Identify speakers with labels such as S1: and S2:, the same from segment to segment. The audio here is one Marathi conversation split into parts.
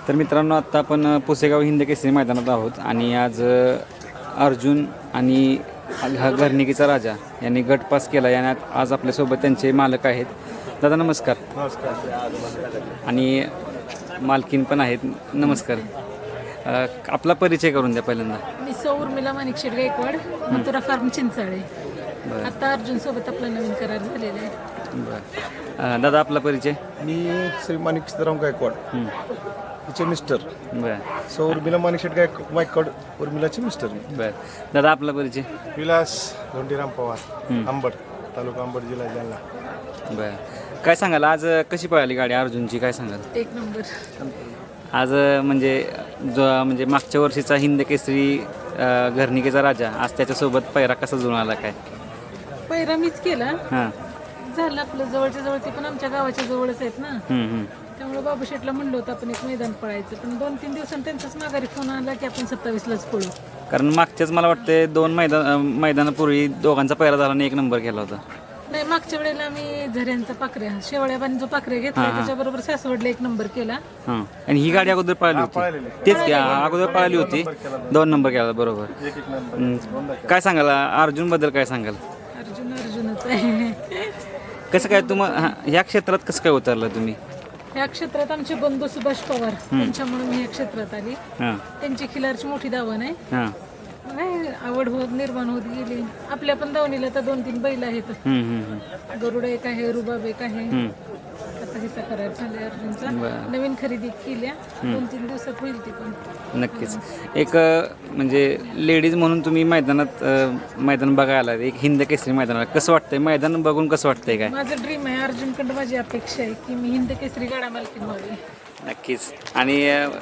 S1: तर मित्रांनो, आत्ता आपण पुसेगाव हिंद केसरी मैदानात आहोत आणि आज अर्जुन आणि घरणिकीचा राजा यांनी गट पास केला. आणि आज आपल्यासोबत त्यांचे मालक आहेत. दादा नमस्कार.
S2: नमस्कार.
S1: आणि मालकीन पण आहेत. नमस्कार. आपला परिचय करून द्या पहिल्यांदा.
S3: मी उर्मिला माणिकशेठ गायकवाड, मथुरा फार्म चिंचाळे. आता अर्जुन सोबत आपला नवीन करार झालेला आहे.
S1: बरं. दादा आपला परिचय.
S2: मी श्री माणिक सीताराम गायकवाड, तिचे मिस्टर.
S1: बरं
S2: उर्मिला माणिकशेठ गायकवाड उर्मिलाचे मिस्टर.
S1: बरं. दादा आपला परिचय.
S4: विलास धोंडीराम पवार, अंबड तालुका, अंबड, जिल्हा जालना.
S1: बरं. काय सांगाल आज कशी पळाली गाडी अर्जुनची, काय सांगाल?
S3: एक नंबर.
S1: आज म्हणजे मागच्या वर्षीचा हिंद केसरी घरणिकेचा राजा आज त्याच्यासोबत पैरा कसा जुळून आला काय?
S3: पहिरा मीच केला.
S1: हां.
S3: झालं आपलं जवळच्या जवळ, ते पण आमच्या गावाच्या जवळच आहेत ना. त्यामुळे बाबू शेठला म्हणलं होतं आपण एक मैदान पळायचं, पण 2-3 दिवसांनी त्यांचाच माघारी फोन आला की आपण 27लाच पळू.
S1: कारण मागच्याच मला वाटते 2 मैदानापूर्वी दोघांचा पैरा झाला आणि 1 नंबर केला होता.
S3: नाही, मागच्या वेळेला आम्ही झऱ्यांचा पाखऱ्या शेवळ्याबानी जो पाखऱ्या घेतला त्याच्याबरोबर सासवडला 1 नंबर केला.
S1: हां. आणि ही गाडी अगोदर पळाली होती. तेच की अगोदर पळाली होती, 2 नंबर केला. बरोबर. काय सांगाल अर्जुनबद्दल, काय सांगाल?
S3: अर्जुनच आहे.
S1: कसं काय ह्या क्षेत्रात कसं काय उतरलं तुम्ही?
S3: या क्षेत्रात आमचे बंधू सुभाष पवार त्यांच्यामुळे मी या क्षेत्रात आली.
S1: हां
S3: त्यांची खिलारची मोठी दावण आहे.
S1: हां.
S3: नाही, आवड निर्माण होत गेली. आपल्या पण दावणीला तर 2-3 बैल आहेत. गरुड एक आहे, रुबाब एक आहे. आता हिचा करार झालाय अर्जुनचा. नवीन खरेदी केल्या, 2-3 दिवसात होईल ती पण.
S1: नक्कीच. एक म्हणजे लेडीज म्हणून तुम्ही मैदान बघायला एक हिंद केसरी मैदानाला कसं वाटतंय? मैदान बघून कसं वाटतंय काय?
S3: माझं ड्रीम आहे, अर्जुनकडं माझी अपेक्षा आहे की मी हिंद केसरी गाडा मालकीण व्हावी.
S1: नक्कीच. आणि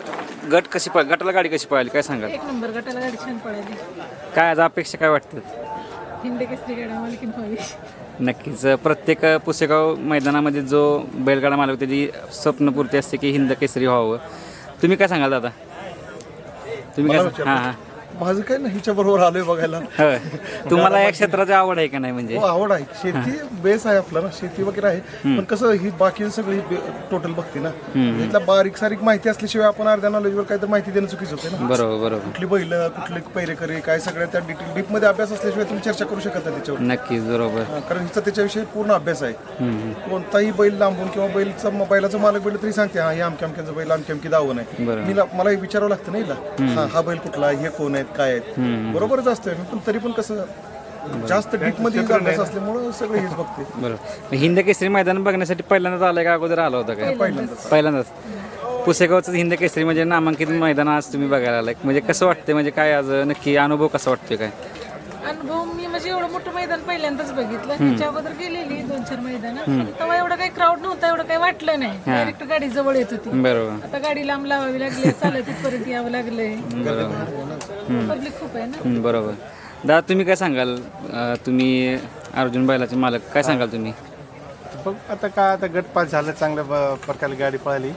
S1: गटाला गाडी कशी पळाली, काय सांगाल?
S3: 1 नंबर गटाला गाडी छान पळाली.
S1: काय आज अपेक्षा काय वाटतात?
S3: हिंद केसरी गाडा मालकीण व्हावी.
S1: नक्कीच. प्रत्येक पुसेगाव मैदानामध्ये जो बैलगाडा मालक त्याची स्वप्नपूर्ती असते की हिंद केसरी व्हावं. तुम्ही काय सांगाल दादा? तुम्ही काय? हां.
S2: माझं काय नाही, हिच्या बरोबर आलोय बघायला.
S1: होय. तुम्हाला या क्षेत्राची आवड आहे का नाही? म्हणजे
S2: हो, आवड आहे. शेती बेस आहे आपला ना, शेती वगैरे आहे. पण कसं ही बाकी सगळी टोटल बघते ना, इथला बारीक सारीक माहिती असल्याशिवाय आपण अर्ध्या नॉलेजवर काहीतरी माहिती देणं चुकीचं होते ना.
S1: बरोबर.
S2: कुठली बैल, कुठले पैरेकरी, काय सगळ्या त्या डिटेल डीपमध्ये अभ्यास असल्याशिवाय तुम्ही चर्चा करू शकत नाही त्याच्यावर.
S1: नक्कीच. बरोबर.
S2: कारण हिचा त्याच्याविषयी पूर्ण अभ्यास आहे. कोणताही बैल लांबून किंवा बैलाचा मालक बैल तरी सांगते हा हे अमक्याचं बैल अमकी दावण आहे. मला विचारावं लागतं ना हिला, हा बैल कुठला, हे कोण आहेत, काय आहेत. बरोबरच असतंय, पण तरी पण कसं जास्त डीप मध्ये अभ्यास असल्यामुळे सगळं हेच बघते.
S1: बरोबर. हिंद केसरी मैदान बघण्यासाठी पहिल्यांदाच आलाय का अगोदर आला होता काय? पहिल्यांदाच. पुसेगावचं हिंद केसरी म्हणजे नामांकित मैदान आज तुम्ही बघायला आलाय, म्हणजे कसं वाटतंय? म्हणजे काय आज नक्की अनुभव कसा वाटतोय काय?
S3: अनुभव मी म्हणजे एवढं मोठं मैदान पहिल्यांदाच बघितलं. त्याच्या अगोदर गेलेली 2-4 मैदानात, तेव्हा एवढं काही क्राऊड नव्हता, एवढं काही वाटलं नाही. डायरेक्ट गाडी जवळ येत होती.
S1: बरोबर.
S3: आता गाडी लांब लावावी लागली, चालत तिथपर्यंत यावं लागलंय. पब्लिक खूप आहे ना.
S1: बरोबर. दादा तुम्ही काय सांगाल? तुम्ही अर्जुन बैलाचे मालक, काय सांगाल तुम्ही?
S4: बघ आता गट पास झालं, चांगल्या प्रकारे गाडी पळाली.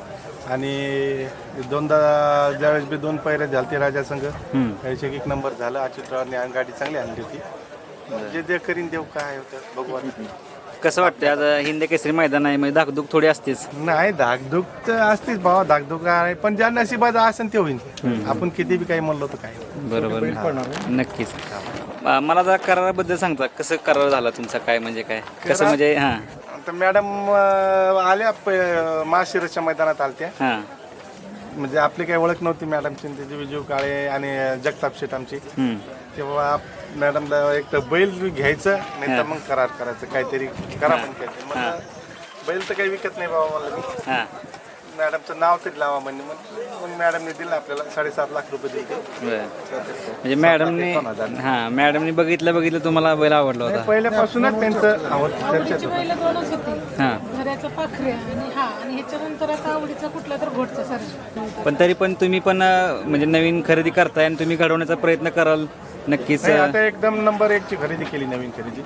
S4: आणि 2दा ज्यावेळेस बी 2 पैरे झालते राजा संघ, त्याचे 1 नंबर झालं. अच्युतरावने गाडी चांगली आणली होती. जे दे करीन देव काय होतं भगवान.
S1: कसं वाटतंय आज हिंद केसरी मैदान आहे, म्हणजे धाकधूक थोडी असतेच?
S4: नाही, धाकधूक तर असतेच भावा, धाकधूक आहे, पण ज्या नशिबात असेल ते होईल. आपण किती बी काही म्हणलो तर काय.
S1: बरोबर. नक्कीच. मला जरा कराराबद्दल सांगता, कसं करार झाला तुमचा, काय म्हणजे काय कसं म्हणजे? हां.
S4: तर मॅडम आल्या महाशिरसच्या मैदानात आलत्या.
S1: हां.
S4: म्हणजे आपली काही ओळख नव्हती मॅडमची, त्याची विजू काळे आणि जगताप शेठ आमची. तेव्हा मॅडमला एक तर बैल घ्यायचं, नाही तर मग करार करायचं, काहीतरी करा पण काहीतरी. मग बैल तर काही विकत नाही बाबा मला मी.
S1: हां.
S4: मॅडमचं नाव तरी लावा म्हणजे मग मॅडमने दिलं आपल्याला 7.5 लाख रुपये दिले.
S1: म्हणजे मॅडमने बघितलं तुम्हाला बैल आवडला होता?
S4: पहिल्यापासूनच त्यांचं
S3: आवडीची बैल 2च होती, घराचा पाखऱ्या आणि ह्याच्यानंतर आता आवडीचा कुठला तर घोटचा सारखा.
S1: पण तरी पण तुम्ही पण म्हणजे नवीन खरेदी करताय आणि तुम्ही घडवण्याचा प्रयत्न कराल नक्कीच.
S4: आता एकदम नंबर 1 ची खरेदी केली, नवीन खरेदी.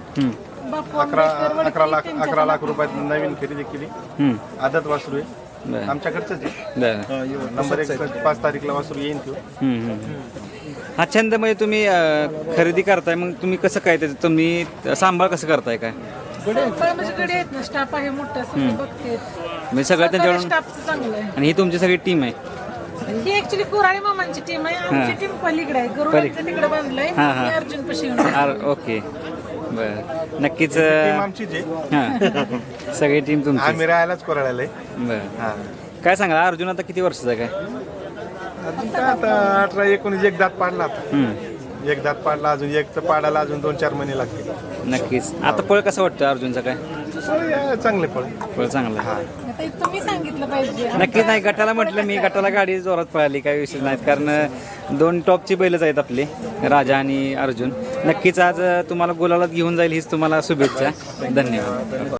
S4: 11 लाख रुपयात नवीन खरेदी केली. आदत वासरू आहे, आमच्याकडचंच आहे. नंबर 1 5 तारीखला वासरू येईन तो.
S1: हा छंद म्हणजे तुम्ही खरेदी करताय, मग तुम्ही कसं काय त्याचं तुम्ही सांभाळ कसं करताय काय?
S3: सगळं म्हणजे गडी आहेत ना, स्टाफ आहे मोठा, सगळं बघते.
S1: म्हणजे सगळं त्यांच्याकडून.
S3: स्टाफचं चांगलं आहे.
S1: आणि ही तुमची सगळी टीम आहे.
S3: ही ऍक्च्युली कोराळे मामांची टीम आहे. आमची टीम पलीकडे आहे, गरुडाचं तिकडे बांधलंय. मी अर्जुन पशी
S1: ओके, बरं. नक्कीच
S4: टीम आमचीच आहे.
S1: हां सगळी टीम तुमची.
S4: आम्ही राहायलाच कोराळ्याला आहे.
S1: बरं.
S4: हा.
S1: काय सांगा अर्जुन आता किती वर्षाचा आहे काय?
S4: अजून काय आता 18-19 एक दात पाडला आता. एक दात पाडला, अजून एक तर पाडायला अजून 2-4 महिने लागतील.
S1: नक्कीच. आता पळ कसं वाटतं अर्जुनचा काय?
S4: चांगले पळ.
S1: पळ चांगला आहे.
S3: आता तुम्ही सांगितलं पाहिजे.
S1: नक्कीच नाही, गटाला म्हटलं मी, गटाला गाडी जोरात पळाली, काही विषय नाहीत. कारण 2 टॉपची बैलच आहेत आपले, राजा आणि अर्जुन. नक्कीच आज तुम्हाला गुलालात घेऊन जाईल हीच तुम्हाला शुभेच्छा. धन्यवाद.